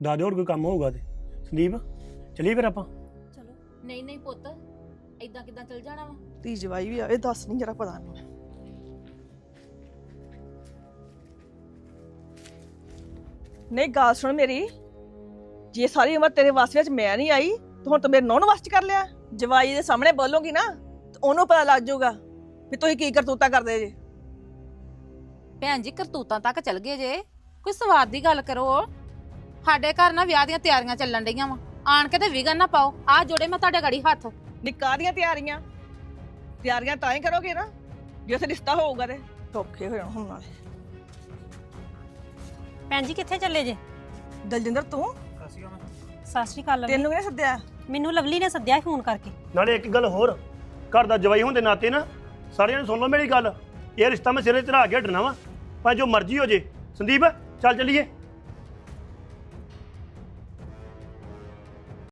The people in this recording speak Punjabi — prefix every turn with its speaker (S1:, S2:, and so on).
S1: ਦੱਸ ਦਿਓ ਹੋਰ ਕੋਈ ਕੰਮ ਹੋਊਗਾ ਤੇ ਸੰਦੀਪ ਚਲੀਏ ਫਿਰ ਆਪਾਂ।
S2: ਚਲੋ। ਨਹੀਂ ਨਹੀਂ ਪੁੱਤ, ਏਦਾਂ ਕਿੱਦਾਂ ਚਲ ਜਾਣਾ ਵਾ?
S3: ਧੀ ਜਵਾਈ ਵੀ ਆਵੇ, ਦੱਸ ਨਹੀਂ ਜਰਾ ਪਤਾ ਨਹੀਂ। ਨਹੀਂ ਗੱਲ ਸੁਣ ਮੇਰੀ, ਜੇ ਸਾਰੀ ਉਮਰ ਤੇਰੇ ਵਾਸ ਵਿੱਚ ਮੈਂ ਨਹੀਂ ਆਈ ਤੇ ਹੁਣ ਤੂੰ ਮੇਰੇ ਨੌਂ ਨੂੰ ਵਸ ਚ ਕਰ ਲਿਆ। ਜਵਾਈ ਦੇ ਸਾਹਮਣੇ ਬੋਲੋਗੀ ਨਾ ਤੇ ਉਹਨੂੰ ਪਤਾ ਲੱਗ ਜਾਊਗਾ ਵੀ ਤੁਸੀਂ ਕੀ ਕਰਤੂਤਾ ਕਰਦੇ ਜੇ।
S2: ਭੈਣ ਜੀ ਕਰਤੂਤਾਂ ਤੱਕ ਚਲ ਗਏ ਜੇ, ਕੋਈ ਸਵਾਦ ਦੀ ਗੱਲ ਕਰੋ। ਸਾਡੇ ਘਰ ਨਾ ਵਿਆਹ ਦੀਆਂ ਤਿਆਰੀਆਂ ਚੱਲਣ ਡਈਆਂ ਵਾ, ਆਣ ਕੇ ਤੇ ਵਿਗਨ ਨਾ ਪਾਓ। ਆ ਜੋੜੇ ਮੈਂ ਤੁਹਾਡੇ ਗਾੜੀ ਹੱਥ।
S3: ਨਿੱਕਾ ਦੀਆਂ ਤਿਆਰੀਆਂ ਤਾਂ ਹੀ ਕਰੋਗੇ ਨਾ ਜੇ ਉੱਥੇ ਰਿਸ਼ਤਾ ਹੋਊਗਾ ਤੇ ਧੋਖੇ ਹੋ ਜਾਣ ਹੁਣ ਨਾਲੇ।
S4: ਭੈਣ ਜੀ ਕਿੱਥੇ ਚੱਲੇ ਜੇ?
S3: ਦਲਜਿੰਦਰ ਤੂੰ
S4: ਸਤਿ ਸ਼੍ਰੀ ਅਕਾਲ।
S3: ਤੈਨੂੰ ਕਿਹਨੇ ਸੱਦਿਆ?
S4: ਮੈਨੂੰ ਲਵਲੀ ਨੇ ਸੱਦਿਆ ਫੋਨ ਕਰਕੇ।
S1: ਨਾਲੇ ਇੱਕ ਗੱਲ ਹੋਰ, ਘਰ ਦਾ ਜਵਾਈ ਹੋਣ ਦੇ ਨਾਤੇ ਨਾ ਸਾਰਿਆਂ ਨੂੰ ਸੁਣ ਲਓ ਮੇਰੀ ਗੱਲ, ਇਹ ਰਿਸ਼ਤਾ ਮੈਂ ਸਿਰੇ ਚੜਾ ਕੇ ਹਟਣਾ ਵਾ, ਭਾਵੇਂ ਜੋ ਮਰਜ਼ੀ ਹੋ ਜੇ। ਸੰਦੀਪ ਚੱਲ ਚੱਲੀਏ।